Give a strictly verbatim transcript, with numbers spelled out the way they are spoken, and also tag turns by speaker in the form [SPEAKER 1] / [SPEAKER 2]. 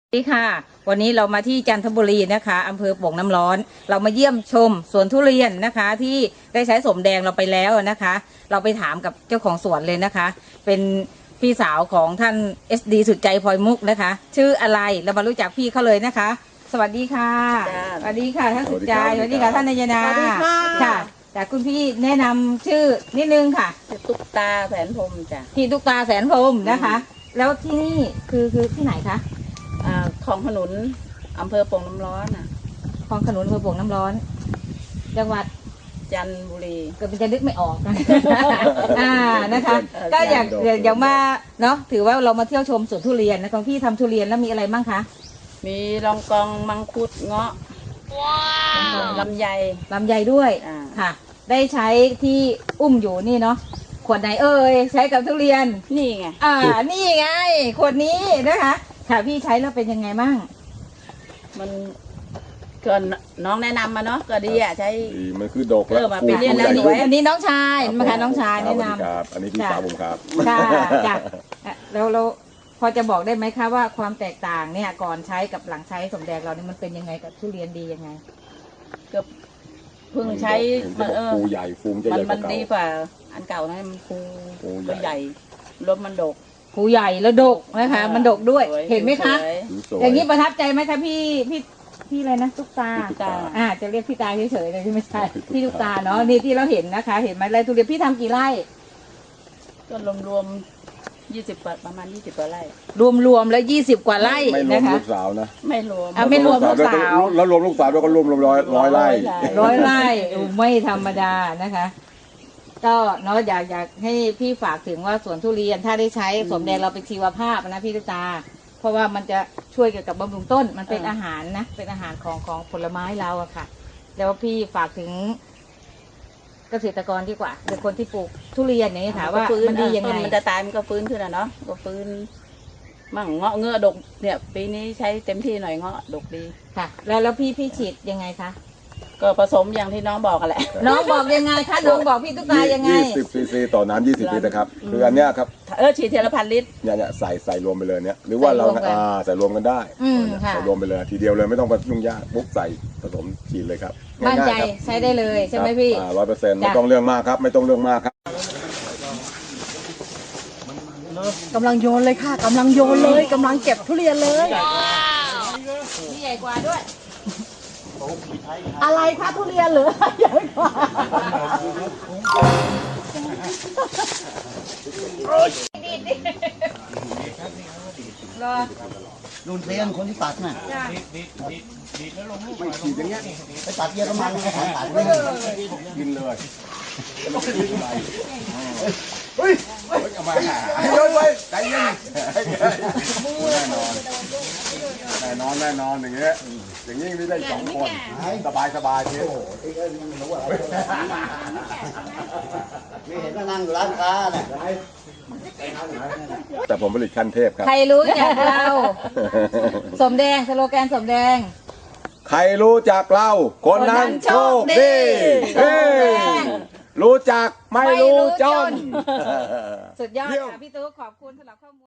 [SPEAKER 1] สวัสดีค่ะวันนี้เรามาที่จันทบุรีนะคะอำเภอโป่งน้ำร้อนเรามาเยี่ยมชมสวนทุเรียนนะคะที่ได้ใช้สมแดงเราไปแล้วนะคะ เราไปถามกับเจ้าของสวนเลยนะคะ เป็นพี่สาวของท่าน เอส ดี สุดใจพลอยมุกนะคะ ชื่ออะไรเรามารู้จักพี่เขาเลยนะคะ สวัสดีค่ะสวัสดีค่ะท่านสุดใจสวัสดีค่ะท่านนายนา
[SPEAKER 2] สวัสดีค่ะ
[SPEAKER 1] ค่ะจากคุณพี่แนะนำชื่อนิดนึงค่ะ
[SPEAKER 2] ตุ๊กตาแสนพรหมจ้ะ
[SPEAKER 1] พี่ตุ๊กตาแสนพรหมนะคะ แล้วที่นี่คือคือที่ไหนคะ
[SPEAKER 2] อ่าของขนุนอำเภอโป่งน้ำร้อนอ่ะ
[SPEAKER 1] คลองขนุนอำเภอโป่งน้ำร้อน จังหวัด
[SPEAKER 2] จันทบุรี
[SPEAKER 1] เกิดมันจะนึกไม่ออกนะ อ่านะคะ ก็อยากอยากมาเนาะถือว่าเรามาเที่ยวชมสวนทุเรียนนะของพี่ทำทุเรียนแล้วมีอะไรบ้างคะ
[SPEAKER 2] มีรองกองมังคุดเงาะลำไย
[SPEAKER 1] ลำไยด้วย
[SPEAKER 2] อ่า
[SPEAKER 1] ค่ะ ได้ใช้ที่อุ้มอยู่นี่เนาะขวดไหนเอ่ยใช้กับทุเรียน
[SPEAKER 2] นี่ไง
[SPEAKER 1] อ่านี่ไงขวดนี้นะคะ ค่ะพี่ใช้แล้วเป็นยังไงบ้าง
[SPEAKER 2] มันเกินน้องแนะนำมาเนาะก็ดีอ่ะใช้
[SPEAKER 3] ดีมันคือดก
[SPEAKER 2] เออมาเป็นเรื่อง
[SPEAKER 3] ใหญ่
[SPEAKER 2] แล้ว
[SPEAKER 1] อัน
[SPEAKER 2] ส
[SPEAKER 1] นี้
[SPEAKER 2] วย
[SPEAKER 1] อันนี้น้องชายมาค่ะน้องชายแนะนำ
[SPEAKER 3] ครับอันนี้พี่สาวผมครับ
[SPEAKER 1] ค่ะจ้ะอ่ะแล้วเราพอจะบอกได้ไหมคะว่าความแตกต่างเนี่ยก่อนใช้กับหลังใช้สมแดงเราเนี่ยมันเป็นยังไงกับทุเรียนดียังไง
[SPEAKER 2] ก็เพิ่งใช้
[SPEAKER 3] เห็นจะบอก
[SPEAKER 2] เออ
[SPEAKER 3] ฟูใหญ่ฟูมันจะ
[SPEAKER 2] มั
[SPEAKER 3] ให
[SPEAKER 2] น
[SPEAKER 3] ญ่ก
[SPEAKER 2] มั
[SPEAKER 3] ว่าน เก่า
[SPEAKER 2] ดีกว่าอันเก่านะมันฟู
[SPEAKER 3] ฟูใหญ่
[SPEAKER 2] ตัวใหญ่รถมันดก
[SPEAKER 1] ผูใหญ่แล้วดกนะคะ มันดกด้วย
[SPEAKER 2] สวย
[SPEAKER 1] เห็นไหมคะ
[SPEAKER 2] สวย
[SPEAKER 3] ดูสวย
[SPEAKER 1] อย่างนี้ประทับใจไหมคะพี่พี่พี่อะไรนะตุ๊กตา
[SPEAKER 3] พี่ตุ๊กตา
[SPEAKER 1] อ่าจะเรียกพี่ตาเฉยๆเลยไม่ใช่พี่ตุ๊กตาเนาะนี่ที่เราเห็นนะคะ เห็นไหมไรทุเรียนพี่ทำกี่ไร่
[SPEAKER 2] ก็รวมๆยี่สิบกว่าประมาณยี่สิบกว่าไร่
[SPEAKER 1] รวมๆแล้วยี่สิบกว่าไร่
[SPEAKER 3] ไม่รว
[SPEAKER 1] นะ
[SPEAKER 3] ม
[SPEAKER 1] คะ
[SPEAKER 3] ลูกสาวนะ
[SPEAKER 2] ไม่รวม
[SPEAKER 1] อ่ะไม่รวมลูกสาว
[SPEAKER 3] แล้วรวมลูกสาวด้วยก็รวมรวมร้อยร้อยไร่
[SPEAKER 1] ร้อยไร่อู้ไม่ธรรมดานะคะ ก็เนาะอยากอยากให้พี่ฝากถึงว่าสวนทุเรียนถ้าได้ใช้สมแดงเราเป็นชีวภาพนะพี่ตุ๊กตา เพราะว่ามันจะช่วยเกี่ยวกับบำรุงต้นมันเป็นอาหารนะเป็นอาหารของของผลไม้เราอะค่ะ แล้วพี่ฝากถึงเกษตรกรดีกว่าหรือคนที่ปลูกทุเรียนอย่างนี้ยค่ะว่า
[SPEAKER 2] ก็ฟื้
[SPEAKER 1] มันดียังไง
[SPEAKER 2] ต้นมันจะตายมันก็ฟื้นขึ้นอ่ะเนาะก็ฟื้นมั่งเงาะเงือดกเนี่ย ปีนี้ใช้เต็มที่หน่อยเงาะดกดี
[SPEAKER 1] ค่ะ แล้วแล้วพี่พี่ฉีดยังไงคะ
[SPEAKER 2] ก็ผสมอย่างที่น้องบอกกันแหละ
[SPEAKER 1] น้องบอกยังไงคะน้องบอกพี่ตุ๊กตายังไง
[SPEAKER 3] ยี่สิบซีซีต่อน้ำยี่สิบลิตรนะครับคืออันเนี้ยครับ
[SPEAKER 2] เออฉีดเทละพันลิตร
[SPEAKER 3] เนี่ยเนี่ยใส่ใส่รวมไปเลยเนี่ยหรือว่าเรา
[SPEAKER 1] ใส่รวมกัน
[SPEAKER 3] อ่าใส่รวมกันได้
[SPEAKER 1] อืมค่ะ
[SPEAKER 3] ใส่รวมไปเลยทีเดียวเลยไม่ต้องไปยุ่งยากปุ๊บใส่ผสมฉีดเลยครับ
[SPEAKER 1] มั่นใจ
[SPEAKER 3] ง่ายๆครับ
[SPEAKER 1] ใช้ได้เลยใช่ไหมพี่
[SPEAKER 3] ร้อยเปอร์เซ็นต์ไม่
[SPEAKER 1] จ้ะ
[SPEAKER 3] ต้องเรื่องมากครับ ไม่ต้องเรื่องมากครับ
[SPEAKER 4] กำลังโยนเลยค่ะกำลังโยนเลยกำลังเก็บทุเรียนเลย
[SPEAKER 1] นี่ใหญ่กว่าด้วย
[SPEAKER 4] อะไรคะทุเรียนเหรือใหญ่กว่า
[SPEAKER 1] รอ
[SPEAKER 5] ดูนเพลงคนที่ตัดน่ะ
[SPEAKER 1] จ้ะ
[SPEAKER 3] ไม่ฉีดอย่างเงี้ย
[SPEAKER 5] ไปตัดเยอรมันเขาตัดไม่
[SPEAKER 3] กินเลยเฮ้ยเอามาโยนไปใจเย็นแน่นอนแน่นอนแน่นอนอย่างเงี้ยอย่างนี้ไม่ได้สองคนสบายสบายที
[SPEAKER 5] ไม่เห็นว่านั่งอยู่ร้านค้าเนี่ย
[SPEAKER 3] แต่ผมผลิตขั้นเทพครับ
[SPEAKER 1] ใครรู้จักเรา สมแดงสโลแกนสมแดง
[SPEAKER 3] ใครรู้จักเรา คนนั้นโชคดีเฮ้ยรู้จักไม่รู้จน
[SPEAKER 1] สุดยอดค่ะพี่ตุ๊กขอบคุณสำหรับข้อมูล